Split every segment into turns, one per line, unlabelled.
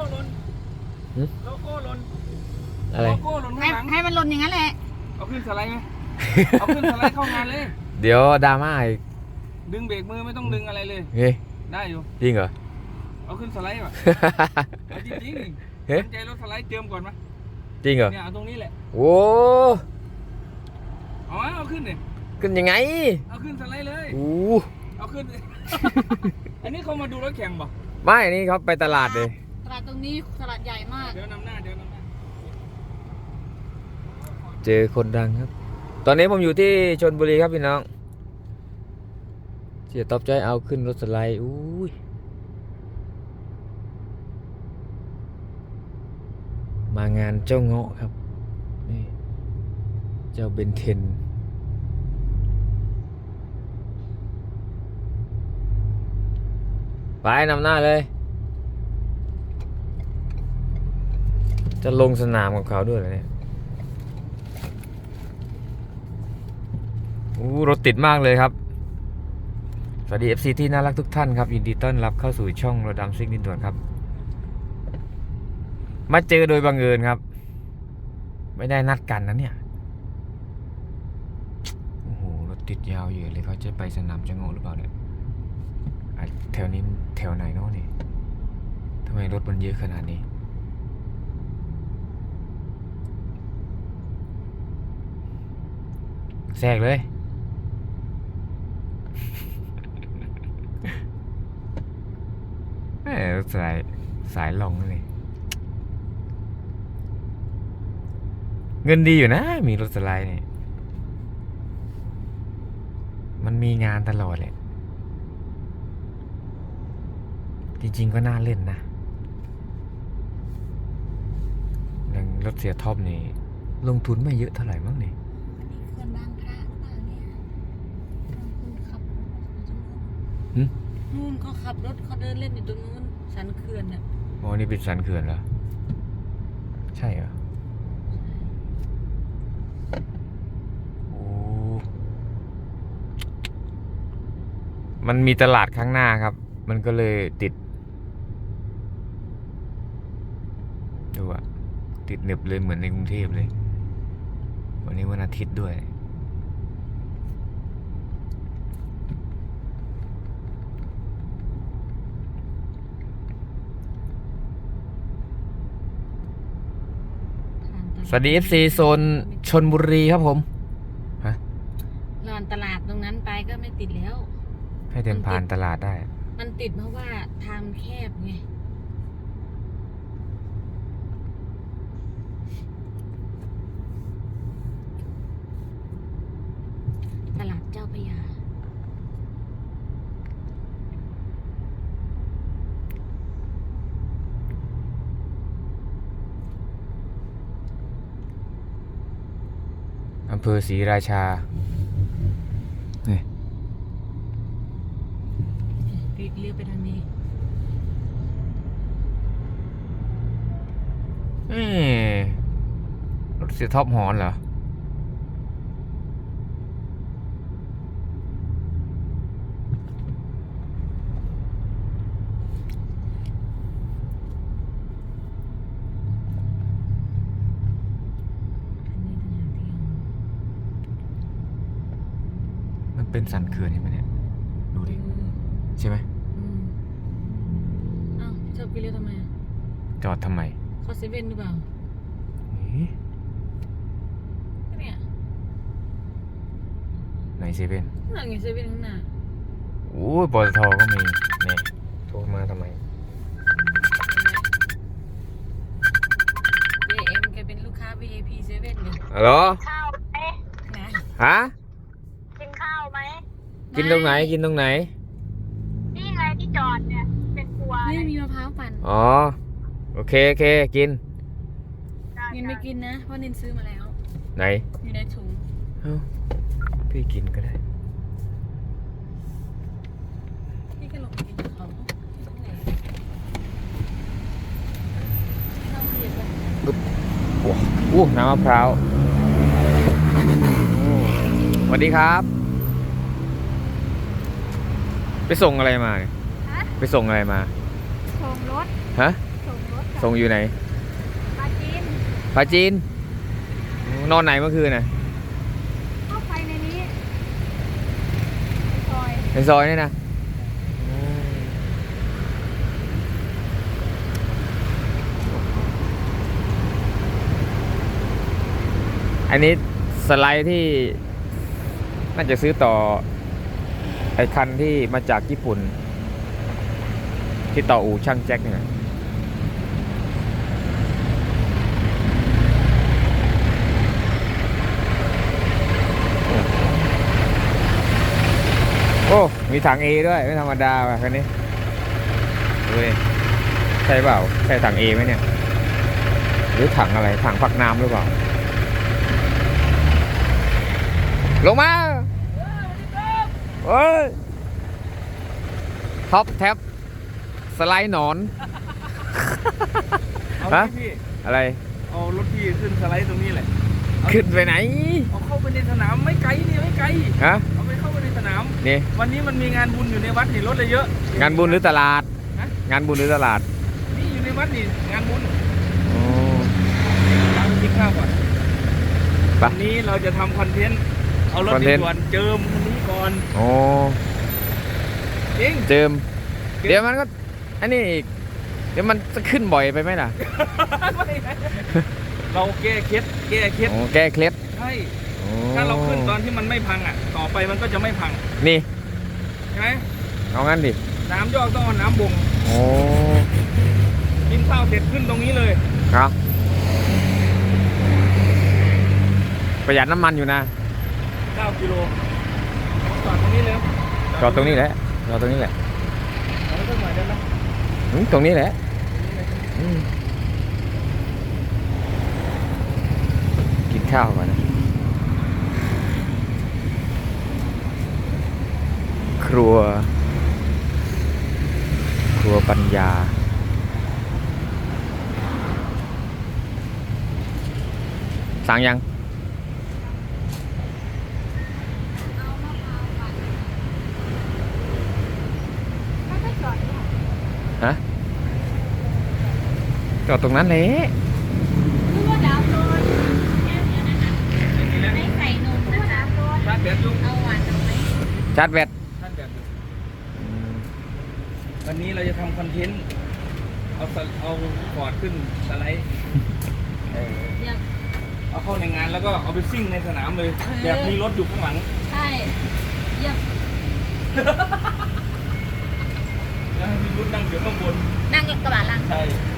หล่นโลโก้หล่น
อะไร
โลโก้หล่นข้างหลัง
ให้มันหล่นอย่างนั้นแหละ
เอาขึ้นสไลด์ไหมเอาขึ้นสไลด์เข้างานเลย
เดี๋ยวดราม่าอีก
ดึงเบรกมือไม่ต้องดึงอะไรเลย
เฮ้ย
ได้อยู่
จริงเหรอ
เอาขึ้นสไลด์ป่ะเอาจริงๆ
เฮ้ย
สนใจรถสไลด์เจิมก่อนไหม
จริงเหรอ
เนี่ยเอาตรงนี้แหละ
โอ้
เอาขึ้นเลย
ขึ้นยังไง
เอาขึ้นสไลด์เลย
โอ้
เอาขึ้น อันนี้เขามาดูรถแข่งป่ะ
ไม่นี่เขาไปตลาดเลย
ตลาดตรงนี้ตลาดใหญ่มาก
เดี๋ยวนำหน้า
เจอคนดังครับตอนนี้ผมอยู่ที่ชลบุรีครับพี่น้องเสียตอบใจเอาขึ้นรถสไลด์อุ้ยมางานเจ้าเงาะครับนี่เจ้าเบนเทนไปนำหน้าเลยจะลงสนามกับเขาด้วยเหรอเนี่ยรถติดมากเลยครับสวัสดี FC ที่น่ารักทุกท่านครับยินดีต้อนรับเข้าสู่ช่องรถดำซิ่งดินด่วนครับมาเจอโดยบังเอิญครับไม่ได้นัดกันนะเนี่ยโอ้โหรถติดยาวเยอะเลยเขาจะไปสนามจังโง่หรือเปล่าเนี่ยแถวนี้แถวไหนเนาะนี่ทำไมรถมันเยอะขนาดนี้แทรกเลยสายลงเลยเงินดีอยู่นะมีรถสไลด์เนี่ยมันมีงานตลอดเลยจริงๆก็น่าเล่นนะอย่างรถเสียท็อปนี่ลงทุนไม่เยอะเท่าไหร่มั้งนี่
เขื่อนบางพระหรือเปล่าเนี่ยคุณขับนู่นเขาขับรถเขาเดินเล่นอยู่ตรงนู้นสันเขื่อนน่ะ
อ๋อนี่เป็นสันเขื่อนเหรอใช่เหรอโอ้มันมีตลาดข้างหน้าครับมันก็เลยติดดูอะติดหนึบเลยเหมือนในกรุงเทพเลยวันนี้วันอาทิตย์ด้วยสวัสดี FC โซนชลบุรีครับผมฮะ
ลานตลาดตรงนั้นไปก็ไม่ติดแล้ว
ให้เดินผ่านตลาดได้
มันติดเพราะว่าทางแคบไงตลาดเจ้าพระยา
อำเภอศรีราชานี่
เลี้ยวไปทางนี้
รถเสียท็อปหอนเหรอมันเป็นสันเขื่อนใช่ไหมเนี่ยดูดิใช่ไหม
อ้าวชอบกินเลี้ยวทำไม
จอดทำไม
เขาเซเว่นหรือเปล่าเนี่ย
ไหนเซเว่น
นั่นไงเซเว่นข้างหน้า
โอ้ยปตทก็มีเนี่ยโทรมาทำไม
JM แกเป็นลูกค้า VIP เซเว่นเลย
ฮัลโหล
ข้าวไหม
ฮะ
กินข้าวไหม
กินตรงไหนกินตรงไหน
นี่ไงที่จอดเนี่ยเป็นครัว
ไม่มีมะพร้าวปั่น
อ๋อโอเคกิน
นินไม่กินนะเพราะนินซื้อมาแล้ว
ไหน
อยู่ในถุง
พี่กินก็ได้
พี่ก็ลงกินของ
น้ำมะพร้าวสวัสดีครับไปส่งอะไรมาเนี่ยไปส่งอะไรมา
ส่งรถ
ฮะ
ส่งรถ
ส่งอยู่ไหน
ปลาจีน
ปลาจีน นอนไหนเมื่อคืนน่ะ
เข้าไปในนี้ซอย
ในซอยนี่นะอันนี้สไลด์ที่น่าจะซื้อต่อไอ้คันที่มาจากญี่ปุ่น ที่ต่ออู่ช่างแจ็คเนี่ยโอ้ มีถัง A ด้วย ไม่ธรรมดาว่ะคันนี้ดูดิใช่เปล่า ใช่ถัง A ไหมเนี่ย หรือถังอะไร ถังพักน้ำหรือเปล่า ลงมาเฮ้ย ท็อปแท็บสไลด์หนอน
เอา
ฮะ
พี่
อะไร
เอารถพี่ขึ้นสไลด์ตรงนี้แหละ
ขึ้นไปไหน
เอาเข้าไปในสนามไม่ไกลนี่ไม่ไกล
ฮะ
เอาไปเข้าไปในสนาม
นี่
วันนี้มันมีงานบุญอยู่ในวัดนี่รถเลยเยอะ
งานบุญหรือตลาด
ฮะ
งานบุญหรือตลาด
นี่อยู่ในวัดนี่งานบุญ
โอ้
ตามไปกินข้าวก่อน
ไป
วันนี้เราจะทำคอนเทนต์เอารถ
คอนเทนต์
ด่วนเจิมคันนี้ก่อน
โอ้
จริง
เจิม เดี๋ยวมันก็ อันนี้อีก เดี๋ยวมันจะขึ้นบ่อยไปไหมล่ะ
เราแก้เคล็ดแก้เคล็ด
โอ้แก้เคล็ด
ใช่
โอ้
ถ้าเราขึ้นตอนที่มันไม่พังอ่ะ ต่อไปมันก็จะไม่พัง
นี่
ใช่ไหม
เอางั้นดิ
น้ำยอกต้องเอาน้ำบ่ง
โอ้
กินข้าวเสร็จขึ้นตรงนี้เลย
ครับประหยัดน้ำมันอยู่นะ
9 กิโลจอดตรงนี้เลย
จอดตรงนี้แหละจอดตรงนี้แหละ
เอาไว้สักหน่อยได้ไหม
ตรงนี้แหละอืมกินข้าวก่อนนะ ครัวปัญญา สั่งยัง
ถ้าไม่จอดเนี่ย
ฮะ จอดตรงนั้นเลย
คือว่าดาวโดนให้ใส่นมนะดาวโดน
ชาร์จแบตอยู่
เอาหวานเอาไหม
ชาร์จแบต
ชาร์จแบตอยู่วันนี้เราจะทำคอนเทนต์เอาฟอร์ดขึ้นสไลด์
เดี๋ยว
เอาเข้าในงานแล้วก็เอาไปซิ่งในสนามเลย แบบมีรถอยู่ข้างหลัง
ใช่เดี๋ยว
แล้วให้มีรถนั่งอยู่ข้างบน
นั่งกระบะหลัง
ใช่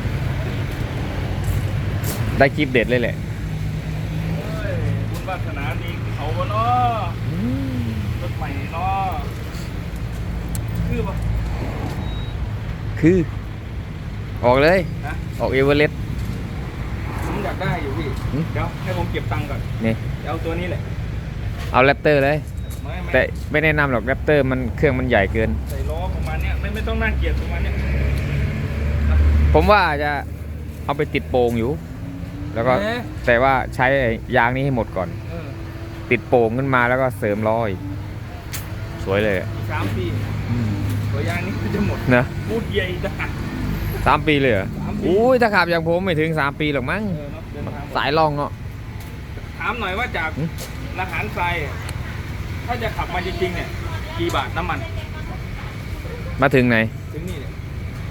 ได้คลิปเด็ดเลยแหละ
เฮ้ยบุญวาสนาดีเขาวะเนาะรถใหม่เนาะคือปะ
คือ ออกเลย
นะ
ออกเอเวอเรสต์
ผมอยากได้อยู่พี่
หืม
เดี๋ยวให้ผมเก็บตังค์ก่อน
นี่
เดี๋ยวเอาตัวนี้แหละ
เอาแรปเตอร์เลย
ไม่
แต่ไม่แนะนำหรอกแรปเตอร์มันเครื่องมันใหญ่เกิน
ใส่ล้อประมาณเนี้ยไม่ต้องน่าเกลียดประมาณเนี้ย
ผมว่าจะเอาไปติดโป่งอยู่ แล้วก็
เอ๊ะ
แต่ว่าใช้ไอ้ยางนี้ให้หมดก่อน
เออ
ติดโป่งขึ้นมาแล้วก็เสริมล้ออีกสวยเลยอะ
อีก3 ปีตัวยางนี้ก็จะหมด
นะ
พูดใหญ่จ้ะ
3 ปีเลยเหรอ
3 ปี
อุ้ยถ้าขับอย่างผมไม่ถึง 3 ปีหรอกมั้ง
เออเนาะเดินทาง
สายล่องเนาะ
ถามหน่อยว่าจาก
หืม
ละหารทรายอะถ้าจะขับมาจริงๆเนี่ยกี่บาทน้ำมัน
มาถึงไหน
ถึงนี่เนี่ย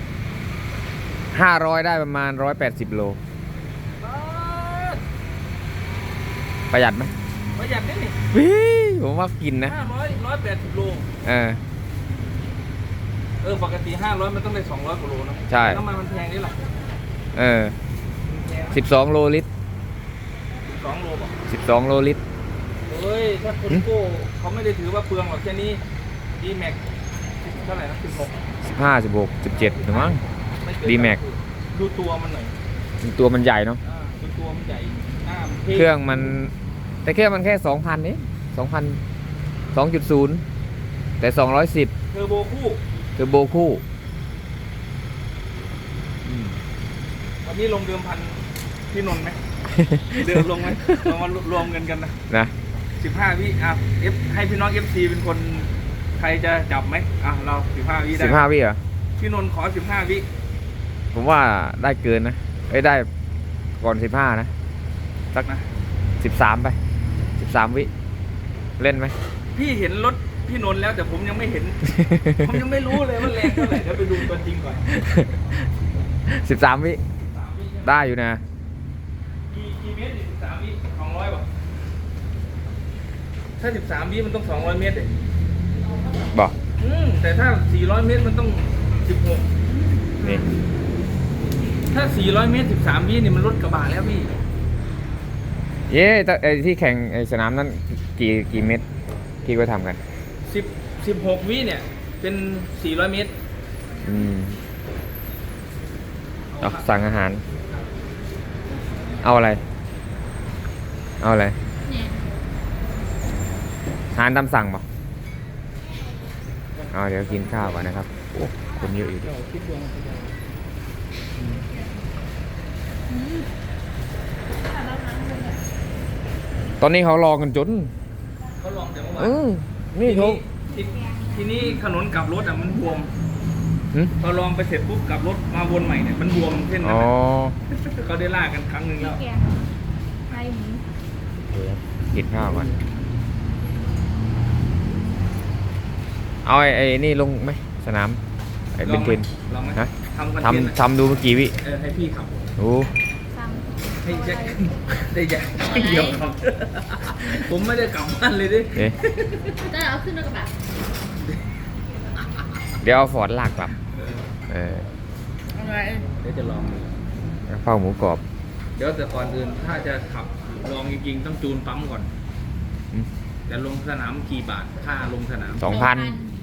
500 ได้ประมาณ 180 โล ประหยัดไหม
ประหยัดนิดนี่
วิผมว่ากินนะ
180 โล
เออ
ปกติ500มันต้องได้200 กว่าโลนะ
ใช่
น้ำมันมันแพงนี่แหละ
เออ
มันแพง
12 โลลิตร
2 โลบอก
12 โลลิตร
เฮ้ยถ้าคนโก้เขาไม่ได้ถือว่าเปลืองหรอกแค่นี้ดีแม็กเท่าไหร่นะ16
15 16 17หรือมั้ง
ไม่เกิน
D-Max
ดูตัวมันหน่อย
ตัวมันใหญ่เนาะ
ดูตัวมันใหญ่หน้ามันท่
เครื่องมัน แต่เครื่องมันแค่ 2,000นี่2,000 2.0 แต่ 210
เทอร์โบคู่
เทอร์โบคู่
วันนี้ลงเดิมพันพี่นนท์ไหม เดิมลงไหมเรามารวมเงินกันนะ
นะ
15 วิให้พี่น้อง FC เป็นคนใครจะจับไหมเรา15 วิได้
15 วิเหรอ
พี่นนท์ขอ15 วิ
ผมว่าได้เกินนะได้ก่อน15นะสัก
นะ
13ไป13 วิเล่นไหม
พี่เห็นรถพี่นนท์แล้วแต่ผมยังไม่เห็น ผมยังไม่รู้เลยว่าแรงเท่าไหร่เดี๋ยวไปดูตัวจริงก่อน
13 วิ
3 วิใช่ไหม
ได้อยู่นะ
กี่เมตรนี่13 วิ200ป่ะถ้า13 วิมันต้อง200 เมตรเลย
บอก
แต่ถ้า400 เมตรมันต้อง16
นี่
ถ้า400 เมตร13 วินี่มันรถกระบะแล้วพี่
เย้แต่ไอ้ที่แข่งไอ้สนามนั้นกี่เมตรที่ก็ทำกัน
16 วิเนี่ยเป็น400 เมตร
เอาสั่งอาหาร เอาอะไร เอาอะไร
เนี่ย
อาหารตามสั่งป่ะเอาเดี๋ยวกินข้าวก่อนนะครับ โอ้คนเยอะอยู่ดิตอนนี้เขารอกันจน
เขาลองแต่เมื่อวาน
นี่เขา
ทีนี้ถนนกลับรถอ่ะมันบวม
หึ
พอลองไปเสร็จปุ๊บกลับรถมาวนใหม่เนี่ยมันบวมเส้นนั้
อ๋
น
อ
น่ะเขาได้ลากกันครั้งหนึ่งแล้ว
แกงไก่หมู
กินข้าวก่อน เอาไอ้นี่ลงไหมสนาม ไอ้เบนเทน
ลองไหม
ฮะ
ทำคอนเทนต์
ทำดูเมื่อกี้วิ
ให้พี่ขับ
โอ้
ซ้ำ
ให้แจ็คได้แจ็คเดียวครับ ผมไม่ได้กลับบ้านเลยดิ
เอ๊ะ
ก็เอาขึ้นรถกระบะ
เดี๋ยวเอาฟอร์ดลากกลับ
อะไร
เดี๋ยวจะลองดู
กระเพราหมูกรอบ
เดี๋ยวแต่ก่อนอื่นถ้าจะขับลองจริงๆต้องจูนปั๊มก่อน
อืม
แต่ลงสนามกี่บาทค่าลงสนาม
2,000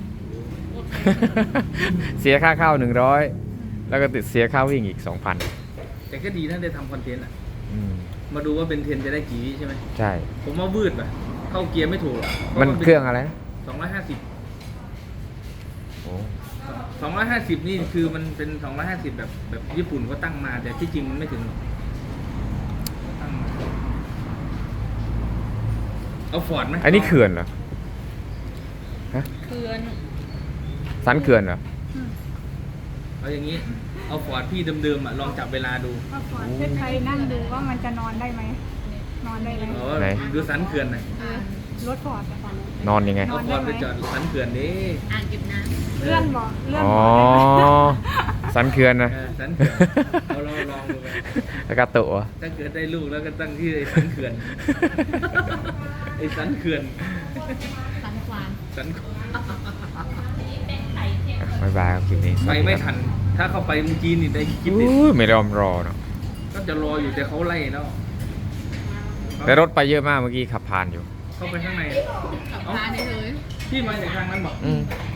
เสียค่าเข้า100 แล้วก็ติดเสียค่าวิ่งอีก 2,000
แต่ก็ดีนะได้ทำคอนเทนต์อ่ะ
อืม
มาดูว่าเป็นเทนจะได้กี่วิใช่ไหม
ใช่
ผมว่าวืดป่ะเข้าเกียร์ไม่ถูกหรอก
มันเครื่องอะไรนะ
250
โอ้
250 นี่คือมันเป็น 250 แบบญี่ปุ่นเขาตั้งมา แต่ที่จริงมันไม่ถึงหรอกตั้งมาเอาฟอร์ดไหม
อันนี้เขื่อนเหรอ ฮะ
เขื่อน
สันเขื่อนเหรอ
เอาอย่างนี้ เอาฟอร์ดพี่เดิมๆอ่ะลองจับเวลาดู
ว่าฟอร์ดเพื่อไทยนั่งดูว่ามันจะนอนได้ไหม นอนได้ไหม
เอา
ไหน
ดูสันเขื่อนหน่อย
รถฟอร์ดอะ
นอนยังไง
เอาฟอร์ดไปจอดสันเขื่อนดิ
อ่างเก็บน้
เลื่อนบอกเลื่อน
อ๋อ
บอก
สันเขื่อนนะ
สันเขื่อนเอาลองดูไป
แล้วก็โตะ
ถ้าเกิดได้ลูกแล้วก็ตั้งที่อไอ้สันเขื่อน ไอ้สันเขื่อน
ำสันควาน
สัน
บ๊ายบายครับคลิปนี้
ไปไม่ทัน ถ้าเข้าไปเมื่อกี้นี่ได้คลิปเด็ด
อุ้ยไม่ยอมรอเนาะ
ก็จะรออยู่แต่เขาไล่แล้ว
แต่รถไปเยอะมากเมื่อกี้ขับผ่านอยู่
เข้าไปข้างใน
ขับพาได้เลย
พี่มาจากทางนั้นบอก
อืม